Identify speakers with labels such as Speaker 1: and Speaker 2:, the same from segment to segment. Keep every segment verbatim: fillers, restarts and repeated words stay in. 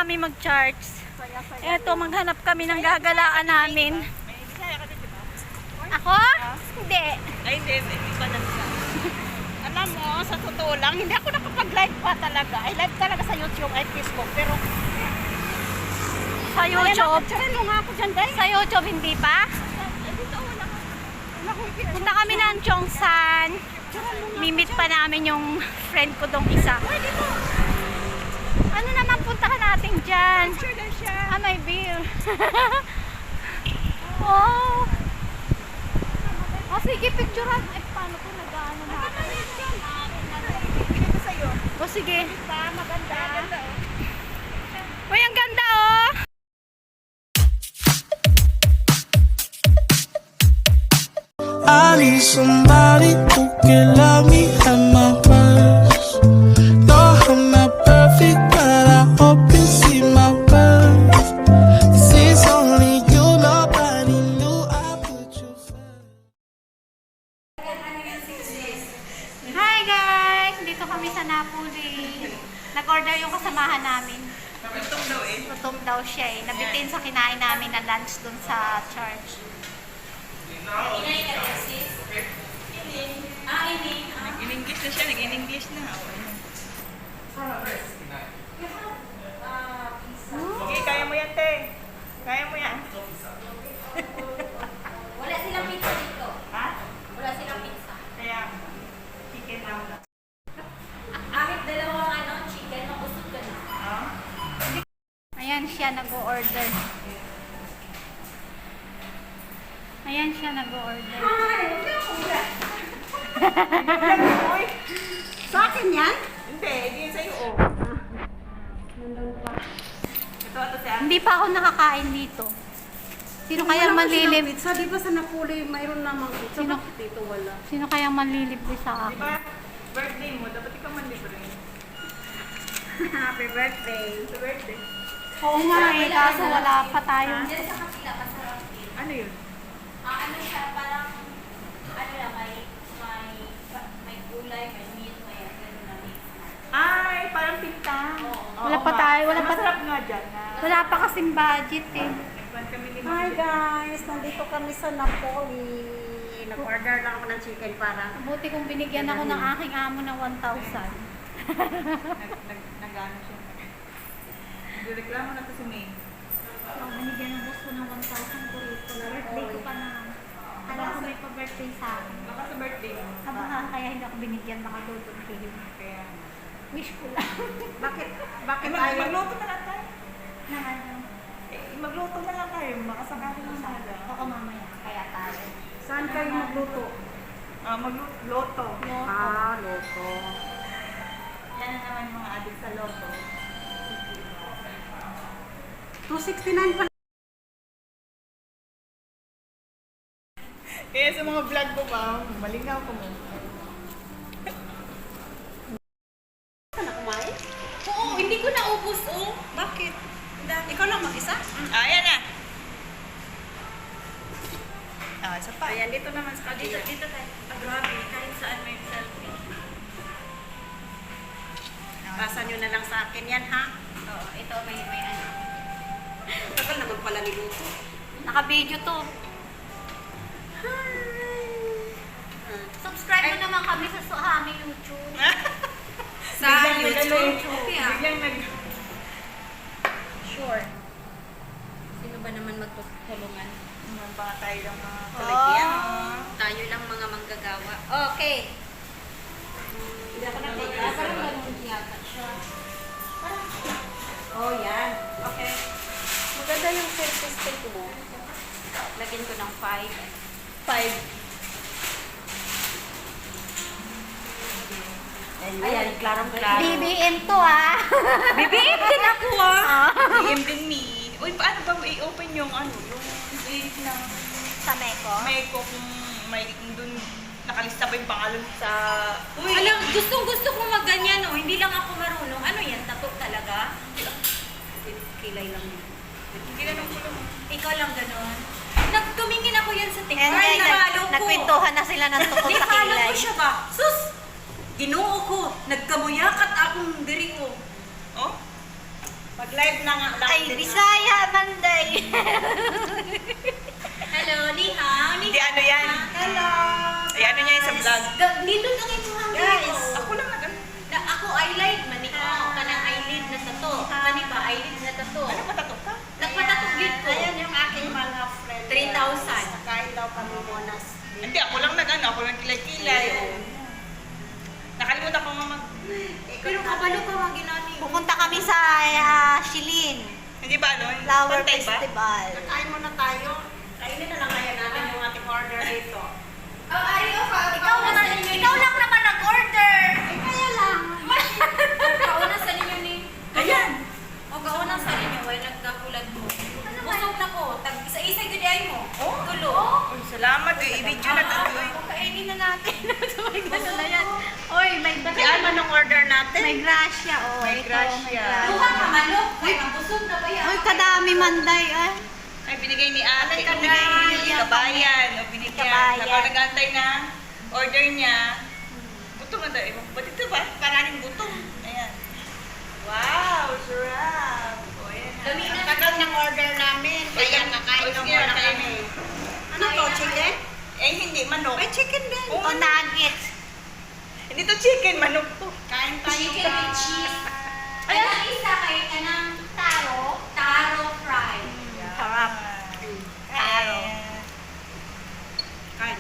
Speaker 1: kami mag-charge. Eto, maghanap kami ng gagalaan namin. Ako? Hindi.
Speaker 2: Ay, hindi. Hindi pa lang siya. Alam mo, sa totoo lang, hindi ako nakapag-live pa talaga. Ay, live talaga sa YouTube at Facebook. Pero,
Speaker 1: Sa YouTube?
Speaker 2: Charan mo nga ako dyan, guys.
Speaker 1: Sa YouTube, hindi pa?
Speaker 2: Ay, dito, wala ka. Wala ko ikita.
Speaker 1: Punta kami ng Chongsan. Mimit pa namin yung friend ko dong isa.
Speaker 2: Ay, dito.
Speaker 1: Ano naman puntahan natin dyan?
Speaker 2: Picture na siya.
Speaker 1: Ah, may beer. Oh. Oh, sige, picturean. Eh, paano ko nag-ano natin?
Speaker 2: Dito sa'yo.
Speaker 1: Oh, sige.
Speaker 2: Pa, maganda. Maganda, oh.
Speaker 1: Uy, ang ganda, oh.
Speaker 3: I need somebody who can love me at my worst. No, I'm not perfect, but I hope you see my worth. This is only you, nobody knew I put you first.
Speaker 1: Hi, guys! Dito kami sa Napoli. Nag-order yung kasamahan namin.
Speaker 2: Gutom daw eh.
Speaker 1: Gutom daw siya eh. Nabitin sa kinain namin na lunch dun sa church.
Speaker 2: Inayin ka rin, sis? Ah, ini. Nag-in-English na siya. Nag-in-English na. Sige, kaya mo yan, te. Kaya mo yan.
Speaker 4: Wala silang pizza dito.
Speaker 2: Ha?
Speaker 4: Wala silang pizza.
Speaker 2: Kaya, chicken lang.
Speaker 4: Akit dalawang ano, chicken, mabusog ka na.
Speaker 2: Ah?
Speaker 1: Ayan siya nag-order. Ayan siya nag-order.
Speaker 2: Uy!
Speaker 4: Sa akin yan?
Speaker 2: Hindi, hindi yun sa'yo, oh.
Speaker 4: Nandun pa.
Speaker 2: Ito, ito siya.
Speaker 1: Hindi pa ako nakakain dito. Sino kaya manlilib?
Speaker 4: Pizza, di ba sa Napoli mayroon namang pizza?
Speaker 1: Sino?
Speaker 4: Bakit dito wala?
Speaker 1: Sino kaya manlilibre sa
Speaker 2: Di
Speaker 1: akin?
Speaker 2: ba, birthday mo, dapat ikaw man libre.
Speaker 4: Happy birthday.
Speaker 2: Sa birthday.
Speaker 1: Oo nga eh, kaso wala pa tayo.
Speaker 4: Diyan sa kapila, masarap din.
Speaker 2: Ano yun?
Speaker 4: Ah, ano siya, parang, ano lang, may, may, may gulay, may meat, may ano na mix.
Speaker 2: Ay, parang pinta.
Speaker 4: Oo.
Speaker 1: Wala pa tayo, wala pa-
Speaker 2: Masarap nga dyan. Na,
Speaker 1: Wala pa kasing budget eh.
Speaker 2: nagpan kami ni
Speaker 5: Hi guys! Nandito kami sa Napoli. Nag-order lang ako ng chicken para...
Speaker 1: Buti kong binigyan ako ng aking amo ng one thousand.
Speaker 2: Nag, nag, nag-ano siya. Nagreklamo na to si May.
Speaker 1: So, binigyan ng boss ko ng one thousand ko rito. Birthday ko pa na. Alam ko may pa-birthday sa akin.
Speaker 2: Baka sa birthday mo.
Speaker 1: Aba, kaya hindi ako binigyan, baka dudod kayo.
Speaker 2: Kaya,
Speaker 1: Wish ko lang.
Speaker 5: Bakit?
Speaker 2: eh,
Speaker 5: Bakit
Speaker 2: mag,
Speaker 5: tayo?
Speaker 2: magluto na lang tayo.
Speaker 1: Na ano,
Speaker 2: Eh, magluto na lang tayo. Makasakali ng sada.
Speaker 1: ako mamaya, kaya tayo.
Speaker 5: Saan kayo magluto?
Speaker 2: Ah, magluto. Loto.
Speaker 5: Ah, loto.
Speaker 2: Yan na naman yung mga adik sa loto.
Speaker 5: two sixty-nine pa.
Speaker 2: Kaya sa mga vlog ko ba, malingaw ko mo.
Speaker 5: Ka na kumain?
Speaker 4: Oo, hindi ko naubos, oh.
Speaker 2: Bakit?
Speaker 5: Ikaw lang mag-isa?
Speaker 2: Ah, ayan na. Ah, isa pa.
Speaker 5: Ayan, dito naman sa
Speaker 4: Dito,
Speaker 5: kabila.
Speaker 4: dito tayo. Ah, grabe, kahit saan may selfie.
Speaker 5: Pasa nyo na lang sa akin yan, ha?
Speaker 4: Oo, ito may, may ano.
Speaker 5: Tagal naman pala niluto.
Speaker 1: Naka-video to. Subscribe mo naman kami sa sa aming YouTube.
Speaker 4: Sa
Speaker 2: Biglang
Speaker 4: YouTube.
Speaker 2: nag-ano
Speaker 4: Okay,
Speaker 2: eh.
Speaker 4: ah.
Speaker 2: Biglang nag...
Speaker 4: Sure. Sino ba naman magtutulungan?
Speaker 2: Naman baka tayo lang mga
Speaker 1: Oh.
Speaker 2: kalagyan. Oh.
Speaker 4: Tayo lang mga manggagawa. Okay.
Speaker 5: Hindi ako
Speaker 4: Ah,
Speaker 5: nag-take.
Speaker 4: parang ganun yata siya.
Speaker 5: Oh, yan.
Speaker 4: Okay.
Speaker 5: Maganda yung selfie stick mo.
Speaker 4: Lagyan ko ng five.
Speaker 2: Five.
Speaker 5: Ayan, klarong-klaro.
Speaker 1: B B M to ah.
Speaker 2: B B M din ako ah. B B M din me. Uy, paano ba i-open yung ano, yung link ng
Speaker 1: Sa Meko.
Speaker 2: may ko kung may dun nakalista pa yung pangalan sa... Uy,
Speaker 4: Alam, gustong gusto ko magganyan, oh. Hindi lang ako marunong. Ano yan? Tato talaga?
Speaker 5: Kilay lang yun.
Speaker 2: hindi na nung kulong.
Speaker 4: Ikaw lang ganon. Nagtumingin ako yan sa TikTok.
Speaker 1: And
Speaker 4: Ay,
Speaker 1: guys, nag,
Speaker 4: na-follow ko.
Speaker 1: nagkwentuhan na sila ng tungkol sa
Speaker 4: Ni-follow
Speaker 1: kilay.
Speaker 4: ko siya ba? Sus! Ginoo ko. Nagkamuyakat akong diri ko.
Speaker 2: Oh?
Speaker 5: Mag-live na nga lang.
Speaker 1: Ay, Bisaya, Manday.
Speaker 4: Hello, ni hao, ni
Speaker 6: Hindi, ano yan?
Speaker 5: Hello!
Speaker 6: Ay, ano niya yung sa vlog?
Speaker 4: Dito lang ito hang
Speaker 5: Guys,
Speaker 6: Ako lang nag
Speaker 4: Na ako eyelid man ni ko. Kanang eyelid na tato. Kani ba eyelid na tato?
Speaker 6: Ano patatok ka?
Speaker 4: Nagpatatog yun ko.
Speaker 5: Ayan yung aking mga friend.
Speaker 4: three thousand.
Speaker 5: Nakain daw kami muna.
Speaker 6: Hindi, ako lang nag ano, ako lang kilay-kilay. oh. Nakalimutan ko nga mag...
Speaker 4: Pero kabalo ka mga ginani.
Speaker 1: Pupunta kami sa ah, Shilin.
Speaker 6: Hindi ba ano?
Speaker 1: Flower
Speaker 6: Pantay ba?
Speaker 1: Festival.
Speaker 5: Kain muna tayo. Kainin na lang kaya natin yung ating order dito.
Speaker 4: Oh, ari o ka. Ikaw na ikaw lang naman nag-order.
Speaker 5: Ay, kaya lang.
Speaker 4: Kauna sa ninyo ni.
Speaker 6: Ayan!
Speaker 4: O kauna sa ninyo way nagkakulad mo. Busog na ko. Tag isa-isa gud ay mo.
Speaker 6: Oh.
Speaker 4: Tulo.
Speaker 6: Uy, salamat. eh. I-video na to. eh.
Speaker 4: Kainin na natin.
Speaker 1: May gano'n na yan. Oy, may
Speaker 5: Kaya ano nung order natin?
Speaker 1: May grasya, oh.
Speaker 6: May
Speaker 1: Ito,
Speaker 6: grasya.
Speaker 4: Duha ka manok. Kay mabusog na ba yan?
Speaker 1: Oy, kadami Manday, ah.
Speaker 6: Ay, binigay ni ate.
Speaker 1: Ay,
Speaker 6: Binigay ni
Speaker 1: kabayan.
Speaker 6: kabayan. O, binigyan.
Speaker 1: Kabayan.
Speaker 6: Habang nag-antay na order niya. Gutom na daw. Ewan ko, ba't ito ba? Paraning gutom. Ayan. Wow, sarap. O, ayan na.
Speaker 4: Dami na.
Speaker 5: Ang tagal ng order namin. Kaya kakain
Speaker 6: O,
Speaker 5: na
Speaker 6: sige,
Speaker 5: muna
Speaker 6: kain.
Speaker 5: kami. Ano to, chicken?
Speaker 6: Eh, hindi. Manok.
Speaker 5: Ay, chicken din.
Speaker 6: Oo,
Speaker 1: O, nuggets.
Speaker 6: Hindi to chicken. Manok to.
Speaker 5: Kain tayo.
Speaker 4: Chicken with
Speaker 5: guys.
Speaker 4: cheese. Ay, ang isa kay kanang taro. Taro fry.
Speaker 1: Sarap.
Speaker 6: Taro.
Speaker 5: Kain.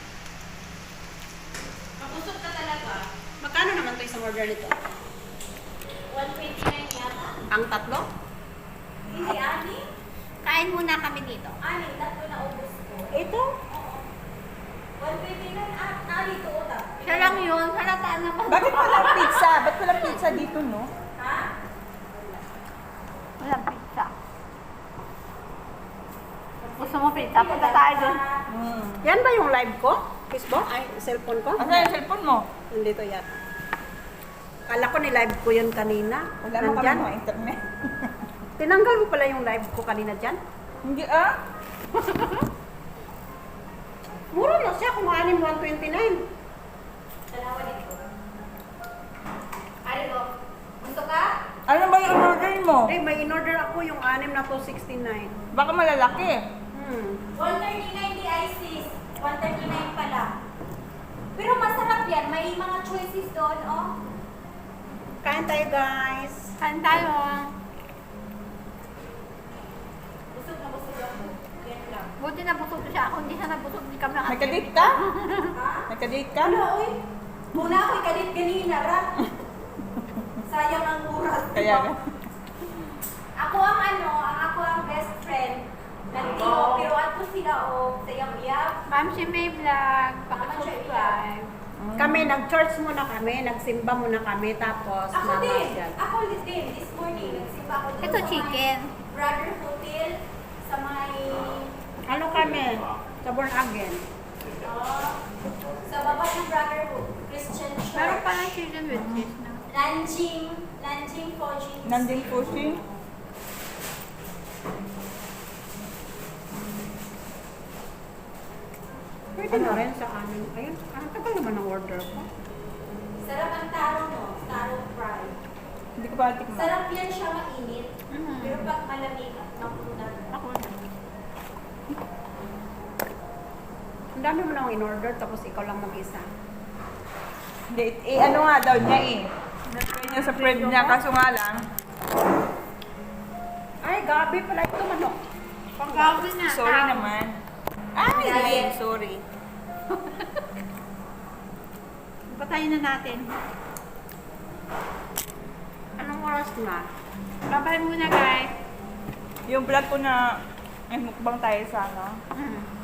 Speaker 4: Mabusog ka talaga.
Speaker 5: Magkano naman to isang order nito?
Speaker 4: one twenty-nine yata.
Speaker 5: Ang tatlo?
Speaker 4: Hindi, ani.
Speaker 1: Kain muna kami dito.
Speaker 4: Ani, tatlo na ubos ko.
Speaker 5: Ito?
Speaker 4: one twenty-nine, ah, ani to utak.
Speaker 1: Siya lang yun. Halataan naman.
Speaker 6: Bakit walang pizza? Ba't walang pizza dito, no?
Speaker 4: Ha?
Speaker 1: Walang pizza. Gusto mo pizza? Punta tayo dun.
Speaker 6: Hmm.
Speaker 5: Yan ba yung live ko? Facebook? Ay, cellphone ko?
Speaker 6: Asa yung cellphone mo?
Speaker 5: Nandito yata. Kala ko ni-live ko yun kanina.
Speaker 6: Wala mo kami
Speaker 5: Nandyan.
Speaker 6: mga internet.
Speaker 5: Tinanggal mo pala yung live ko kanina dyan?
Speaker 6: Hindi ah.
Speaker 5: Mura na siya kung anim one twenty-nine.
Speaker 4: Dalawa dito. Ari mo, gusto ka?
Speaker 6: Ano ba yung order mo?
Speaker 5: Eh, may in-order ako yung anim na two sixty-nine.
Speaker 6: Baka malalaki.
Speaker 5: Hmm.
Speaker 4: one thirty-nine di Isis. one thirty-nine pala. Pero masarap yan. May mga choices doon, oh.
Speaker 5: Kain tayo, guys.
Speaker 1: Kain tayo.
Speaker 4: Busog na busog ako. Yan lang.
Speaker 1: Buti na busog siya. Ako hindi siya nabusog. Hindi kami
Speaker 6: May
Speaker 1: nakatip.
Speaker 6: kadate ka?
Speaker 4: Ha?
Speaker 6: May kadate ka?
Speaker 4: Ano, oy? Muna ako'y kalit ganina, ra. Sayang ang oras.
Speaker 6: Kaya nga.
Speaker 4: Ako ang ano, ang ako ang best friend. Nandito, pero ato sila, oh. Sayang iyak.
Speaker 1: Ma'am, si May Vlog. Pakasubscribe.
Speaker 5: Kami, nag-church muna kami, nagsimba muna kami, tapos
Speaker 4: Ako din.
Speaker 5: namasyal.
Speaker 4: Ako din. This morning, nagsimba ako doon
Speaker 1: Ito
Speaker 4: sa
Speaker 1: chicken.
Speaker 4: may Brother Hotel sa may...
Speaker 5: Ano kami? Sa Born Again.
Speaker 4: ah, sa baba ng Brotherhood Christian Church.
Speaker 1: Meron pa lang chicken with cheese na.
Speaker 4: Nanjing, Nanjing Fojing.
Speaker 6: Nanding pushing.
Speaker 5: Pwede na rin sa amin. Ayun, ang tagal naman ang order ko.
Speaker 4: Sarap ang taro mo, taro fry.
Speaker 6: Hindi ko pa tikman.
Speaker 4: Sarap yan siya mainit.
Speaker 1: Mhm.
Speaker 4: Pero pag malamig, mapunan.
Speaker 1: Ako na.
Speaker 5: Ang dami mo nang in-order, tapos ikaw lang mag-isa.
Speaker 6: Hindi, eh, ano nga daw niya eh. Natry niya sa friend niya, kaso nga lang.
Speaker 5: Ay, gabi pala ito, manok.
Speaker 1: Pag-gawin na.
Speaker 6: Sorry
Speaker 1: tao.
Speaker 6: naman. Ay, hindi. Sorry.
Speaker 1: Patayin na natin.
Speaker 5: Anong oras na?
Speaker 1: Babay muna guys.
Speaker 6: Yung vlog ko na, ay mukbang tayo sa ano.
Speaker 1: Mm.